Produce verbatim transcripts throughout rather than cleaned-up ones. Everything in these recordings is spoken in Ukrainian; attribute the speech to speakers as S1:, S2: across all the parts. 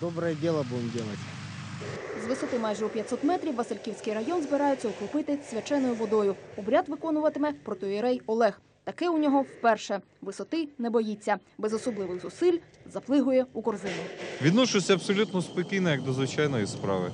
S1: Доброе дело будем делать.
S2: З висоти майже у п'ятсот метрів Васильківський район збираються окропити свяченою водою. Обряд виконуватиме протоієрей Олег. Таке у нього вперше. Висоти не боїться. Без особливих зусиль заплигує у корзину.
S3: Відношуся абсолютно спокійно, як до звичайної справи.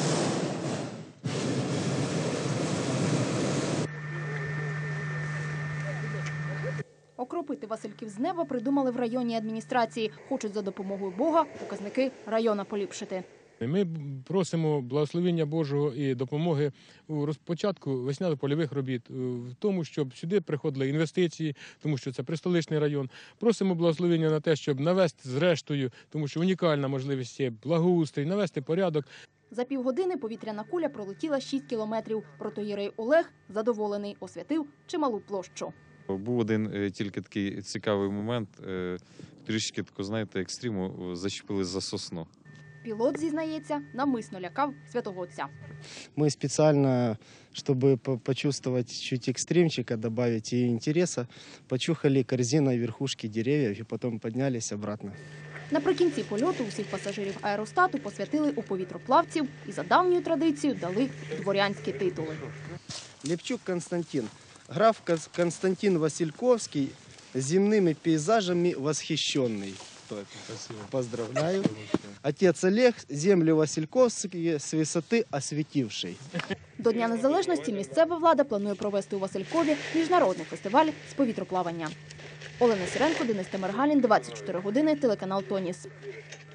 S2: Окропити Васильків з неба придумали в районній адміністрації. Хочуть за допомогою Бога показники району поліпшити.
S4: Ми просимо благословення Божого і допомоги у розпочатку весняно-польових робіт, в тому, щоб сюди приходили інвестиції, тому що це престоличний район. Просимо благословення на те, щоб навести зрештою, тому що унікальна можливість є благоустрій, навести порядок.
S2: За півгодини повітряна куля пролетіла шість кілометрів. Протоієрей Олег задоволений, освятив чималу площу.
S3: Був один тільки такий цікавий момент, трішки, знаєте, екстриму, зачепились за сосну.
S2: Пілот, зізнається, навмисно лякав святого отця.
S1: Мы специально, чтобы почувствовать чуть экстримчика, добавить и интереса, почухали корзиной верхушки деревьев и потом поднялись обратно.
S2: Наприкінці польоту усіх пасажирів аеростату посвятили у повітроплавців і за давньою традицією дали дворянські титули.
S1: Лепчук Константин. Граф Константин Васильковский, земными пейзажами восхищенный.
S4: Спасибо.
S1: Поздравляю. Отец Олег, землю Васильковские с высоты осветивший.
S2: До Дня Незалежності місцева влада планує провести у Василькові міжнародний фестиваль з повітроплавання. Олена Сіренко, Денис Темиргалін, двадцять чотири години, телеканал «Тоніс».